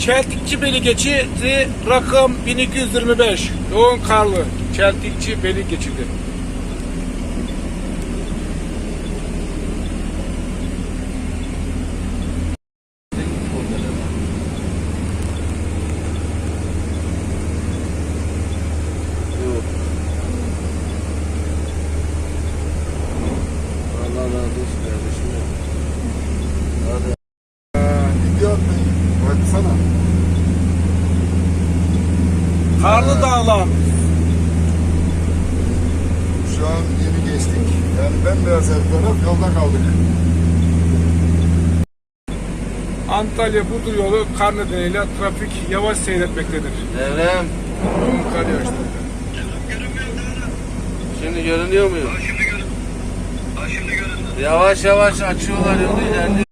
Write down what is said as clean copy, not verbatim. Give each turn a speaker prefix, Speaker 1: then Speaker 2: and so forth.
Speaker 1: Çeltikçi-Beli geçidi rakım 1225. Yoğun karlı. Çeltikçi-Beli geçidi.
Speaker 2: Allah razı olsun kardeşim. Hadi.
Speaker 3: Video baksana.
Speaker 1: Karlı Dağlar.
Speaker 3: Şu an yeni geçtik. Yani bembeyaz her taraf, yolda kaldık.
Speaker 1: Antalya Burdur yolu kar nedeniyle trafik yavaş seyretmektedir.
Speaker 2: Devrem.
Speaker 1: Yoğun kar yağışları.
Speaker 2: Şimdi görünüyor muyum?
Speaker 4: Şimdi göründü.
Speaker 2: Yavaş yavaş açıyorlar yolu, ilerliyor.